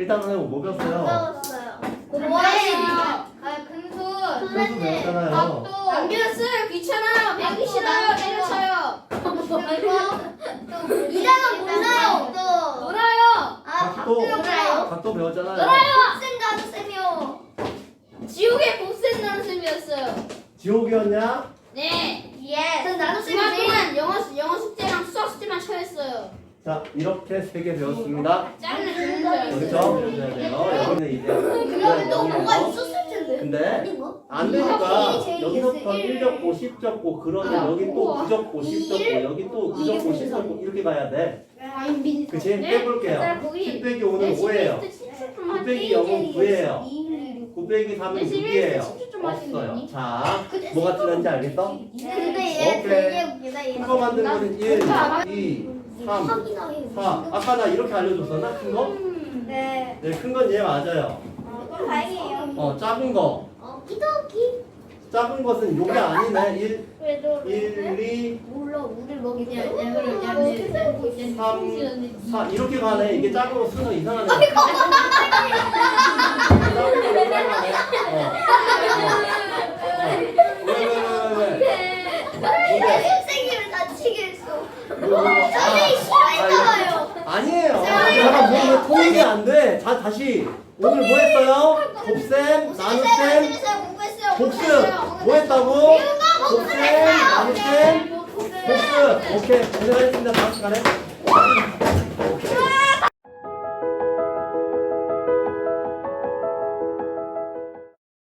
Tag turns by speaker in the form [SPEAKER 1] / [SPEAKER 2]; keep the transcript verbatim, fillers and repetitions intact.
[SPEAKER 1] 일단 선생님 뭐 배웠어요?
[SPEAKER 2] 배웠어요.
[SPEAKER 3] 좋아요. 아 근손.
[SPEAKER 1] 분수 배웠잖아요.
[SPEAKER 3] 각도. 안 배웠어요. 귀찮아요. 배우기 싫어요. 때려쳐요.
[SPEAKER 2] 이장은 몰라요. 또.
[SPEAKER 3] 놀아요.
[SPEAKER 2] 아,
[SPEAKER 1] 각도.
[SPEAKER 2] 박도요.
[SPEAKER 1] 각도 배웠잖아요.
[SPEAKER 2] 쌤 나도 쌤이요.
[SPEAKER 3] 지옥의 곱셈 나눗셈이었어요.
[SPEAKER 1] 지옥이었냐?
[SPEAKER 3] 네.
[SPEAKER 2] 예. 전 나도
[SPEAKER 3] 주말
[SPEAKER 2] 쌤이지.
[SPEAKER 3] 동안 영어 영어 숙제랑 수학 숙제만 쳐했어요.
[SPEAKER 1] 자, 이렇게 세 개 배웠습니다.
[SPEAKER 3] 짜증나 죽는 줄 알았어요.
[SPEAKER 1] 그렇죠? 배워야 돼요. 여기는 이제
[SPEAKER 2] 그러면 또 뭐가
[SPEAKER 1] 영어.
[SPEAKER 2] 있었을 텐데.
[SPEAKER 1] 근데
[SPEAKER 2] 아닌가?
[SPEAKER 1] 안 되니까
[SPEAKER 2] 확실히 제일
[SPEAKER 1] 여기서부터
[SPEAKER 2] 일.
[SPEAKER 1] 일 적고 십 적고 그러면
[SPEAKER 3] 아,
[SPEAKER 1] 여기 또
[SPEAKER 3] 우와.
[SPEAKER 1] 구 적고 십 적고
[SPEAKER 2] 일.
[SPEAKER 1] 여기 또 구
[SPEAKER 2] 이게
[SPEAKER 1] 적고 십
[SPEAKER 2] 무슨
[SPEAKER 1] 적고 이렇게 가야 돼.
[SPEAKER 3] 아임 빈.
[SPEAKER 1] 그치? 빼볼게요. 십 빼기 오는 오예요. 구 빼기 영은 구예요. 구 빼기 삼은 육이에요. 없어요. 자, 뭐가 틀렸는지 알겠어?
[SPEAKER 2] 근데 얘
[SPEAKER 1] 오케이.
[SPEAKER 2] 되게 웃기다. 얘.
[SPEAKER 1] 큰 거 만드는 거는 일, 이, 삼,
[SPEAKER 2] 확인하 해요.
[SPEAKER 1] 사. 아까 나 이렇게 알려줬었나? 큰 거?
[SPEAKER 2] 네.
[SPEAKER 1] 네, 큰 건 얘 맞아요.
[SPEAKER 2] 그럼 다행이에요.
[SPEAKER 1] 어, 작은 거.
[SPEAKER 2] 어, 기도기.
[SPEAKER 1] 작은 것은 요게 아니네. 일,
[SPEAKER 2] 그래도
[SPEAKER 1] 일, 이,
[SPEAKER 2] 몰라. 우리 먹이냐.
[SPEAKER 1] 삼, 사. 이렇게 가네. 이게 작은 거 쓰는 이상하네. 작은 거 이상하네. 어. 어. 왜, 왜, 왜, 왜, 왜? 뭔데?
[SPEAKER 2] 선생님을 다치게 했어.
[SPEAKER 1] 뭐, 뭐, 뭐.
[SPEAKER 2] 선생님 싫어했잖아요.
[SPEAKER 1] 아니에요. 잠깐 뭐 통일이 안 돼. 자 다시 오늘 뭐 했어요? 곱셈, 나눗셈,
[SPEAKER 2] 공부했어요.
[SPEAKER 1] 복습. 뭐 했다고? 곱셈, 나눗셈, 복습. 오케이 고생하셨습니다. 다음 시간에.